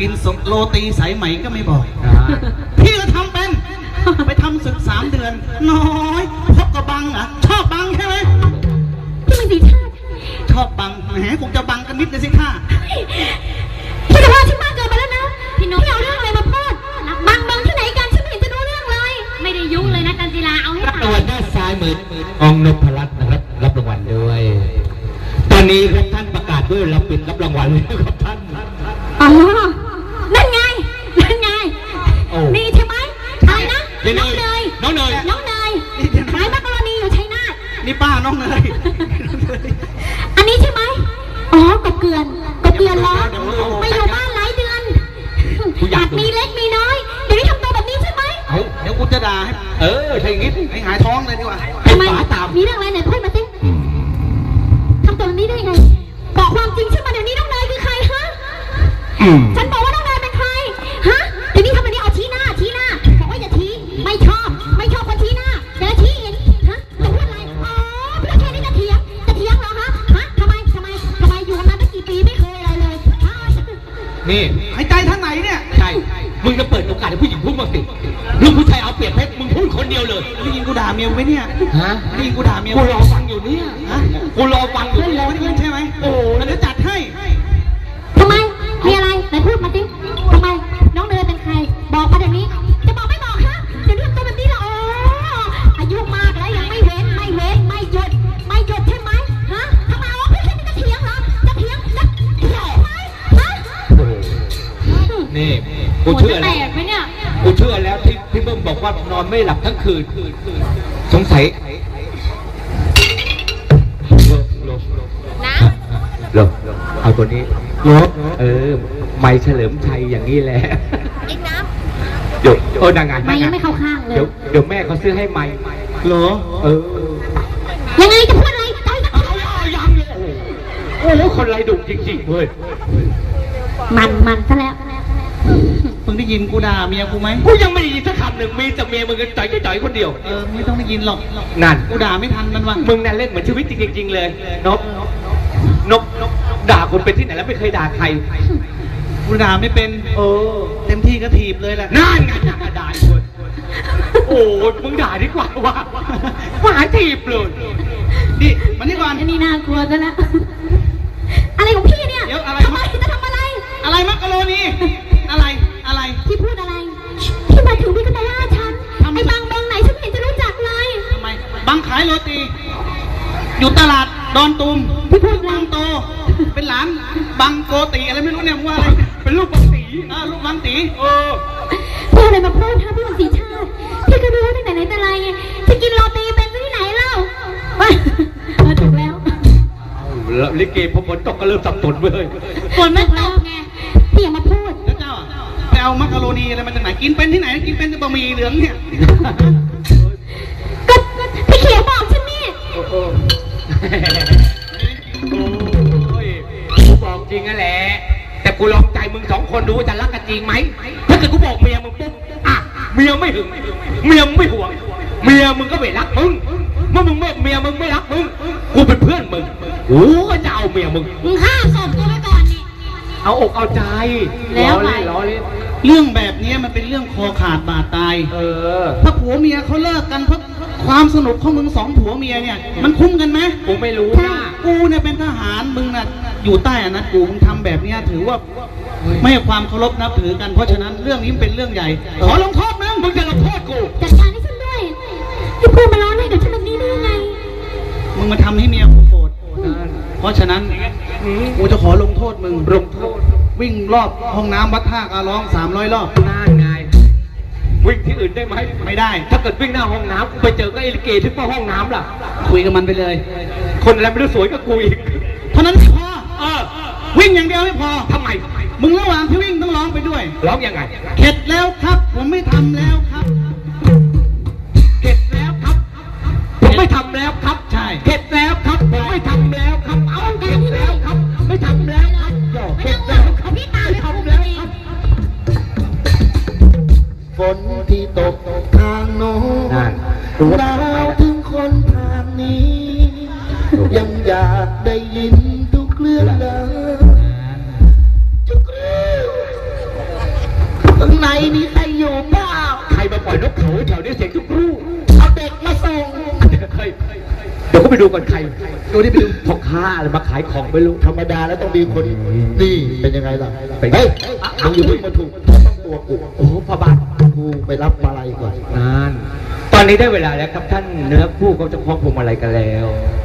กินโรตีสายไหมก็ไม่บอกพี่ก็ทำเป็นไปทำศึก3 เดือนน้อยพบกับบังอ่ะชอบบังใช่ไหมพี่มันสีชาติชอบบังแหมคงจะบังกันนิดเลยสิท่าพี่จะว่าฉันมากเกินไปแล้วนะพี่น้องเอาเรื่องอะไรมาพูดบังที่ไหนกันฉันไม่เห็นจะรู้เรื่องเลยไม่ได้ยุ่งเลยนะจันจิลาเอาให้รับรางวัลด้านซ้ายมือองนพรัตน์นะครับรับรางวัลด้วยตอนนี้ครับท่านประกาศด้วยเราปิดรับรางวัลแล้วครับท่านอ๋อนั่นไงนี่ใช่ไหมอะไรนะน้องเนยขายมักกะโรนีอยู่ชัยนาทนี่ป้าน้องเนยอันนี้ใช่ไหมอ๋อกบเกลือนล้อไปอยู่บ้านหลายเดือนหัดมีเล็กมีน้อยเดี๋ยวนี้ทำตัวแบบนี้ใช่ไหมเดี๋ยวกูจะด่าให้ถ้าอย่างงี้ให้หายท้องเลยดีกว่าทำไมมีเรื่องอะไรไหนพูดมาสิทำตัวแบบนี้ได้ไงบอกความจริงใช่ไหมเดี๋ยวนี้น้องเนยคือใครฮะฉันบอกว่าน้องเนยเป็นใครฮะเดี๋ยวนี้ทำแบบนี้เอาชี้หน้าบอกว่าอย่าชี้ไม่ชอบคนชี้หน้าเดี๋ยวชี้เองฮะจะพูดอะไรอ๋อพี่แค่นี้จะเถียงเหรอฮะทำไมอยู่กันมาตั้งกี่ปีไม่เคยอะไรเลยนี่หายใจท่านไหนเนี่ยใช่มึงจะเปิดโอกาสให้ผู้หญิงพูดบ้างสิลูกผู้ชายเอาเปรียบเพชรมึงพูดคนเดียวเลยได้ยินกูด่าเมียไหมเนี่ยฮะได้ยินกูด่าเมียกูรอฟังอยู่เนี่ยกูรอฟังอยู่ไม่ได้ยินใช่ไหมโอ้แล้วจะจัดให้ทำไมมีอะไรไหนพูดมาสิทำไมน้องเนยเป็นใครบอกมาเดี๋ยวนี้จะบอกไม่บอกฮะเดี๋ยวนี้ตัวแบบนี้ละอายุมากแล้วยังไม่เว้นไม่หยุดใช่ไหมฮะทำไมพี่แค่นี้จะเถียงเหรอจะเถียงไหมฮะนี่กูเชื่อแล้วที่เบิ้มบอกว่านอนไม่หลับทั้งคืนสงสัยลบเอาตัวนี้ลบไม่เฉลิมชัยอย่างนี้แหละอีกน้ำเดี๋ยวนางงานไม่ยังไม่เข้าข้างเลยเดี๋ยวแม่เขาซื้อให้ไม่เหรอยังไงจะพูดอะไรยังเลยโอ้โหคนไรดุจริงๆเว้ยมันซะแล้วมึงได้ยินกูด่าเมียกูไหมกูยังไม่ได้ยินสักคำหนึ่งมีแต่เมียมึงก็จ่อยคนเดียวไม่ต้องได้ยินหรอกนั่นกูด่าไม่ทันมันวะมึงนั่นเล่นเหมือนชีวิตจริงๆเลยนกด่าคนเป็นที่ไหนแล้วไม่เคยด่าใครกูด่าไม่เป็นเต็มที่ก็ถีบเลยแหละนั่นไงด่าคนโอ้มึงด่าดีกว่าว่าหาถีบเลยดิมันนี่ก่อนอันนี้น่ากลัวซะแล้วอะไรของพี่เนี่ยทำไมจะทำอะไรมักกะโรนีอะไรพี่พูดอะไรพี่มาถึงพี่ก็มาว่าฉันไอ้บังไหนฉันเห็นจะรู้จักเลยทำไมบังขายโรตีอยู่ตลาดดอนตูมพี่พูดบังโตเป็นหลานบังโกติอะไรไม่รู้เนี่ยว่าอะไรเป็นลูกบังตีลูกบังตีพี่อะไรมาพูดฮะพี่บังสีชาติพี่ก็รู้ตั้งแต่ไหนแต่ไรไงจะกินโรตีเป็นที่ไหนเล่าถูกแล้วลิเกพอฝนตกก็เริ่มสับสนเลยฝนไม่ตกไงพี่อย่ามาพูดแล้วเจ้าไปเอามักกะโรนีอะไรมาจากไหนกินเป็นที่ไหนกินเป็นบะหมี่เหลืองเนี่ยก็พี่เขียวบอกฉันนี่กูบอกจริงนั่นแหละแต่กูลองใจมึง2 คนดูว่าจะรักกันจริงไหมถ้าเกิดกูบอกเมียมึงปุ๊บเมียไม่หึงเมียไม่ห่วงเมียมึงก็ไม่รักมึงเมื่อมึงเมียมึงไม่รักมึงกูเป็นเพื่อนมึงกูก็จะเอาเมียมึงฆ่าศพกูไปก่อนนี่เอาอกเอาใจแล้วไงเรื่องแบบนี้มันเป็นเรื่องคอขาดบาดตายถ้าผัวเมียเขาเลิกกันเพราะความสนุกของมึง2 ผัวเมียเนี่ยมันคุ้มกันไหมกูไม่รู้นะกูเนี่ยเป็นทหารมึงน่ะอยู่ใต้อำนาจกูมึงทำแบบนี้ถือว่าไม่ให้ความเคารพนับถือกันเพราะฉะนั้นเรื่องนี้เป็นเรื่องใหญ่ขอลงโทษมึงจะลงโทษกูจัดการให้ฉันด้วยที่พูดมาล้อให้กับฉันแบบนี้ได้ยังไงมึงมาทำให้เมียกูโกรธเพราะฉะนั้นกูจะขอลงโทษมึงลงโทษวิ่งรอบห้องน้ำวัดท่าการร้อง300 รอบน่าไงวิ่งที่อื่นได้ไหมไม่ได้ถ้าเกิดวิ่งหน้าห้องน้ำไปเจอก็ไอ้ลิเกที่ห้องน้ำล่ะคุยกับมันไปเลยคนอะไรไม่รู้สวยก็กูอีกเท่านั้นไม่พอวิ่งอย่างเดียวไม่พอทำไมมึงระหว่างที่วิ่งต้องร้องไปด้วยร้องยังไงเข็ดแล้วครับผมไม่ทำแล้วครับเข็ดแล้วครับผมไม่ทำแล้วครับใช่เข็ดแล้วครับผมไม่ทำแล้วครับเอาเข็ดแล้วครับไม่ทำแล้วครับเข็ดแล้วครับพี่ตาไม่ทำแล้วครับฝนที่ตกทางโน้นดาวถึงคนทางนี้ยังอยากได้ยินทุกเรื่องเลยทุกเรื่องเขาแถวนี้เสียงทุกรูเอาเด็กมาส่งเดี๋ยวก็ไปดูก่อนใครดูนี่ไปดูพ่อค้าอะไรมาขายของไม่รู้ธรรมดาแล้วต้องมีคนนี่เป็นยังไงล่ะเป็นไงเฮ้ยมึงอยู่าเพิ่งมาถูกต้องตัวกูโอ้โหพ่อบ้านกูไปรับมาลัยก่อนนานตอนนี้ได้เวลาแล้วครับท่านเนื้อคู่เขาจะคล้องพวงมาลัยกันแล้ว